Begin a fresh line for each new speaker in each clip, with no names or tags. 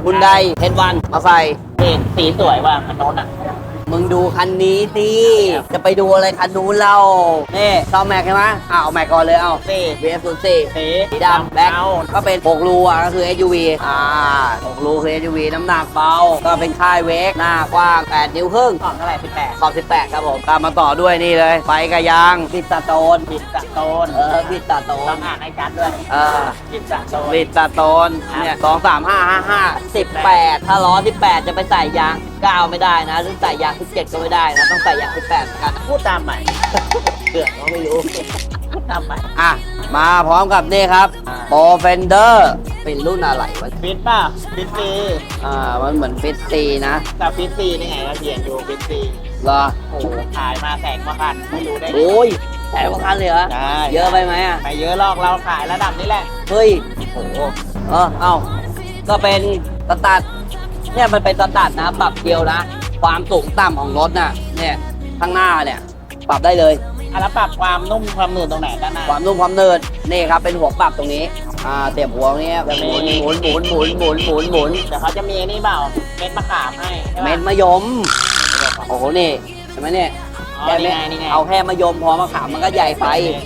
คุณไดเฮดวันมาใส่
สีสวยว่ะคันโน้นอ่ะ
มึงดูคันนี้สิจะไปดูอะไรคันนู้นเรานี่ซอมแม็กใช่ไหมเอาแม็กก่อนเลยเอา
นี่
VF04
สี
สีดำแบ็ค
เงา
ก็เป็น6รูอ่ะก็คือ SUV 6รูคือ SUV น้ำหนักเบาก็เป็นค่ายเวกหน้ากว้าง8นิ้วครึ่ง
ของเท่าไหร่18
ขอบ18ครับผมตามมาต่อด้วยนี่เลยไฟกระยางบิดตาโตน
บิดจากโตน
บิดตาโต
ต้อน งอ่านให้ชัดด้วย บิดจากโตน
บิดตาโตนเนี่ย23555 18ถ้าล้อ18จะไปใส่ยาง9ไม่ได้นะหรือใส่ยาง17ก็ไม่ได้นะต้องใส่ยาง18เหมือนกันนะ
พูดตามใหม่
เกือบก็ไม่รู้
พูดตามใหม่
มาพร้อมกับนี่ครับ โปรเฟนเดอร์เป็นรุ่นอะไรวะ
ฟิตป่ะฟิตซี
มันเหมือนฟิตซีนะ
แต่ฟิตซีนี่ไงก็เขียนอยู่ฟิตซี
เหรอ
โอ้โหขายมาแสนกว่าคันไม่รู้ได้ไง
โอ้ยแต่ว่าคันเลยเหรอ
ได้
เยอะไปไหมอ่ะ
ไม่เยอะหรอกเราขายระดับนี้แหละ
เฮ้ยโอ้โหก็เป็นสตาร์ทเนี่ยมันเป็นสตาร์ทนะปรับเกียวนะ ความสูงต่ำของรถน่ะเนี่ยข้างหน้าเนี่ยปรับได้เลย
แล้วปรับความนุ่มความหนืดตรงไหนด้านหน้า
ความนุ่มความเนินนี่ครับเป็นหัวปรับตรงนี้เสียบหัวตรงนี้แบบหมุนหมุนหมุนหมุนหมุนหมุนหมุน
เดี๋ยวเขาจะมีไอ้นี่เปล่าเม็ดมะขามให้ใช่ปะ
เม็ดมะยมโอ้โหนี่เห็นไหมเนี่ย
อ๋อ
แค่
นี่
เม็ด
ไงนี่ไง
เอาแค่มะยมพอมะขามมันก็ใหญ่ไป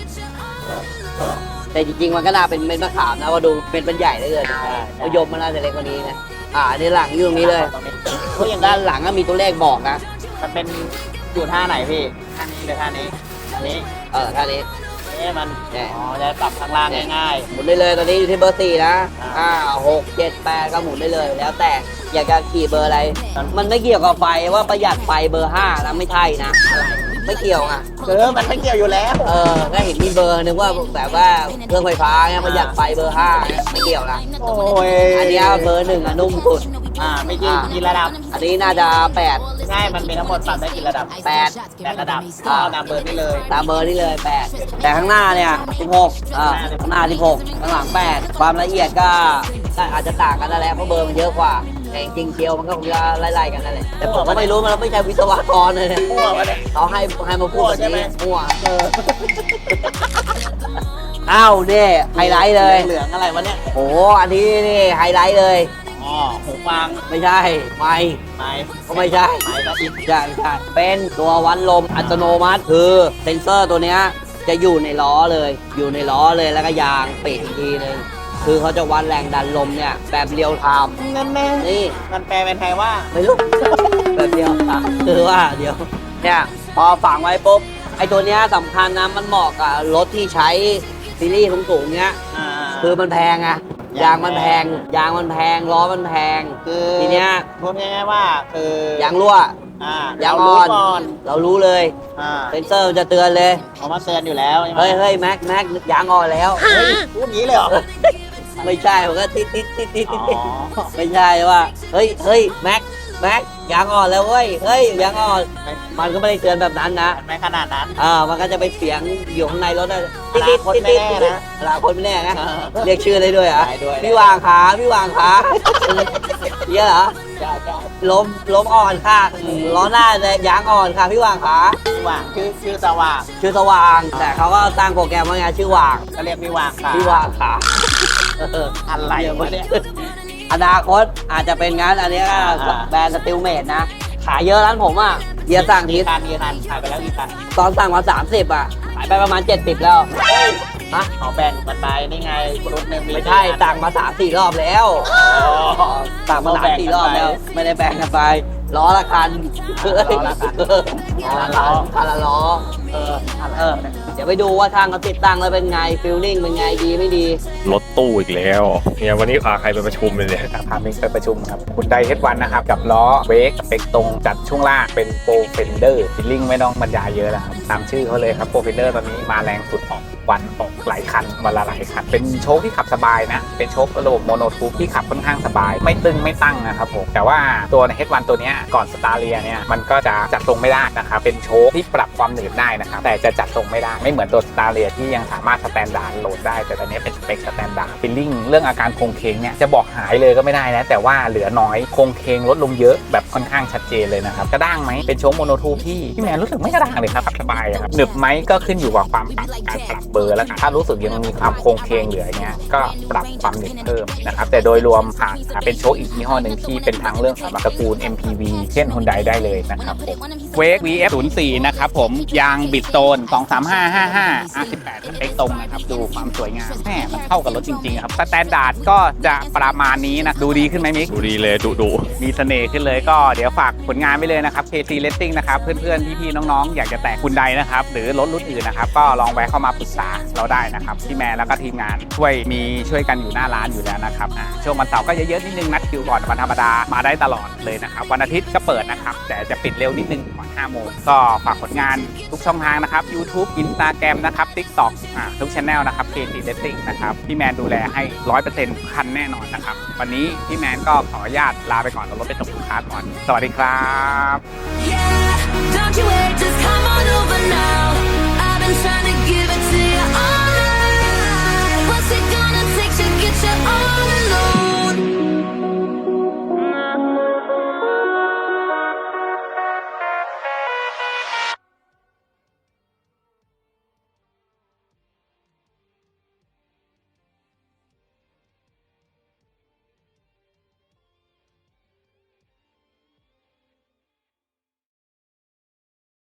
แต่จริงๆมันก็น่าเป็นเม็ดมะขามนะว่าดูเป็นใหญ่เหลยมะยมมันน่าจะเล็กกว่านี้นะอันนี้หลังอยู่ตรงนี้เลย
ตรงนี้
เพราะอย่างด้านหลังก็มีตัวเลขบอกนะ
มันเป็นอยู่ท่าไหนพี่ท่านี้หรือท่านี้อันนี้
ท่านี้
มัน
เนี่ย
อ๋อจะปรับข้างล่างง่าย
หมุนได้เลยตอนนี้อยู่ที่เบอร์4นะ6 7 8ก็หมุนได้เลย แล้วแต่อยากจะขี่เบอร์อะไร มันไม่เกี่ยวกับไฟว่าประหยัดไฟเบอร์5นะไม่ใช่นะไม่เกี่ยวอ่ะ
มันไม่เกี่ยวอยู่แล้ว
ก็เห็นมีเบอร์นึกว่าแบบว่าเครื่องไฟฟ้าเนี่ยประหยัดไฟเบอร์5เนี่ยไม่เกี่ยวนะ
โอ้ย
อันนี้เบอร์1นุ่มสุด
ไม่กี่กี่ระดับ
อันนี้น่าจะ
ง่ายมันเป็นทั้งหมดปรับได้กี่ระดับ
8
8ระดับเอาตามเบอร์นี่เลย
ตามเบอร์นี่เลย8แต่ข้างหน้าเนี่ย16ข้างหน้า16ข้างหลัง8ความละเอียดก็อาจจะต่างกันนั่นแหละเพราะเบอร์มันเยอะกว่าแต่จริงๆเคียวมันก็คงจะไล่ๆกันนั่นแหละแต่ผมก็ไม่รู้มันไม่ใช่วิศวกรเลยเนี่ย
มั่ววะเนี่ย
เขาให้มาพูดแบบ
ใช่ไหม
นี้มั่วอ้าวเนี่ยไฮไลท์เลย
เหลืองอะไรวะเนี่ย
โอ้อันนี้นี่ไฮไลท์เลย
อ๋อหูฟัง
ไม่ใช่ไม่
ไม้
ก็ไม่ใช่
ไม้ก็อิน
ใช่เป็นตัววัดลมอัตโนมัติคือเซนเซอร์ตัวเนี้ยจะอยู่ในล้อเลยอยู่ในล้อเลยแล้วก็ยางปิดอีกทีนึงคือเขาจะวัดแรงดันลมเนี่ยแบบเรียวไทม์
นั่นแน่
นี่
มันแปลเป็นไทยว่า
ไม่รู้ แบบเดียวคือว่าเดี๋ยวเนี่ยพอฝังไว้ปุ๊บไอ้ตัวเนี้ยสำคัญนะมันเหมาะกับรถที่ใช้ซีรีส์สูงๆเนี้ยคือมันแพงอะยางมันแพงล้อมันแพง
คือ
ทีเนี้ย
พูดง่ายๆว่าคือย
างรั่วย
าง
อ่อน
ก่อน
เรารู้เลย เซนเซอร์มันจะเตือนเลย
เขามาเตือนอยู่แล้วใช่ไหม
เฮ้ยแม็กยางอ่อนแล้ว
เฮ้ยพูดงี้เลยเหรอ
ไม่ใช่ผมก็ติดไม่ใช่ว่าเฮ้ยแม็กยางอ่อนแล้วเว้ยเฮ้ยยางอ่อนมันก็ไม่ได้เตือนแบบนั้นนะ
ไม่ขนาดนั้น
มันก็จะไปเสียงอยู่ข้างในรถนะ
อนาคตไม่แน่นะ
อนาคตไม่แน่นะเรียกชื่อได้ด้วยเหรอ่ะ
ได้ด้วย
พี่วางขาเนี่ยเหรอ
จ้า
ล้มอ่อนค่ะล้อหน้าเลยยางอ่อนค่ะพี่วางขา
พี่ว่างชื่อสว่าง
ชื่อสว่าง แต่เขาก็ตั้งโปรแกรมว่าไงชื่อว่าง
ก็เรียกพี่ว่างค่ะ
พี่วางขา
อะไรวะเนี่ย
อนาคตอาจจะเป็นงั้นอันนี้ก็แบรนด์สติลเมดนะ ขายเยอะร้านผมอ่ะเดียสั่งที
กี่คันขายไปแล้วกี่คัน
ตอนสั่งมา30อ่ะขายไปประมาณ70แล้วฮะ
เขาแบ่งกันไปนี่ไงรุ่นหนึ่ง
ไม่ใช่สั่งมา3-4 รอบแล้วสั่งมา3-4 รอบแล้ว ไม่ได้แบ่งกันไปล้อละคันคันละล้อเดี๋ยวไปดูว่าทางเขาติดตั้งแล้วเป็นไงฟิลลิ่งเป็นไงดีไม่ดี
รถตู้อีกแล้วเนี่ยวันนี้พาใครไปประชุมเลยเนี่ย
พามิงไปประชุมครับคุณไดเฮดวันนะครับ กับล้อเวกสเปคตรงจัดช่วงล่างเป็นโปรเฟนเดอร์ฟิลลิ่งไม่ต้องบรรยายเยอะแล้วครับ ตามชื่อเขาเลยครับโปรเฟนเดอร์ตอนนี้มาแรงสุดออกวันออกหลายคันวันละหลายคัน เป็นโชคที่ขับสบายนะ เป็นโชคระบบโมโนทูปที่ขับค่อนข้างสบาย ไม่ตึงไม่ตั้งนะครับผมแต่ว่าตัวในเฮดวันตัวเนี้ยก่อนสตาร์เลียเนี่ยมันก็จะจัดทรงไม่ได้นะครับเป็นโชคที่ปรับความหนืดได้นะครับแต่จะจัดทรงไม่ได้ไม่เหมือนตัวสตาร์เลียที่ยังสามารถสแตนดาร์ดโหลดได้แต่ตอนนี้เป็นสเปคสแตนดาร์ดฟีลลิ่งเรื่องอาการโครงเคงเนี่ยจะบอกหายเลยก็ไม่ได้นะแต่ว่าเหลือน้อยโครงเคงลดลงเยอะแบบค่อนข้างชัดเจนเลยนะครับกระด้างไหมเป็นโชคโมโนทูที่แมนรู้สึกไม่กระด้างเลยครับสบายครับหนึบไหมก็ขึ้นอยู่กับความการปรับเบอร์แล้วกันถ้ารู้สึกยังมีความโครงเคงเหลือเงี้ยก็ปรับความหนึบเพิ่มนะครับแต่โดยรวมหากเป็นโชคอีกยี่ห้อหนึ่งที่เป็นทางเรื่องสำหรับตระกูล MPV เช่น Hyundai ได้เลยนะครับผมเวก VF04 นะครับผมยางบิดโซน23555 R18 สเปคตรงนะครับดูความสวยงามแม่มันเข้ากับรถจริงๆครับสแตนดาร์ดก็จะประมาณนี้นะดูดีขึ้นไหมมิก
ดูดีเลยดุ
มีเสน่ห์ขึ้นเลยก็เดี๋ยวฝากผลงานไปเลยนะครับ KC Racing นะครับเพื่อนๆพี่ๆน้องๆอยากจะแตะคุณใดนะครับหรือรถรุ่นอื่นนะครับก็ลองแวะเข้ามาปรึกษาเราได้นะครับพี่แมนแล้วก็ทีมงานช่วยกันอยู่หน้าร้านอยู่แล้วนะครับช่วงวันเสาร์ก็เยอะๆนิดนึงนัดคิวก่อนวันธรรมดามาได้ตลอดเลยนะครับวันอาทิตย์ก็เปิดนะครับแต่จะปิดเร็วนิดนึงก่อน5 โมงก็ฝากผลงานทุกช่องทางนะครับ YouTube Instagram นะครับ TikTok ทุก channel นะครับ KC Racing นะครับพี่แมนดูแลให้ 100% คันแน่นอนนะครับวันนี้พี่แมนก็ขออนุญาตลาไปก่อนเอารถไปส่งลูกค้าก่อนสวัสดีครับ
Yeah, don't you wait, just come on over now. I've been trying to get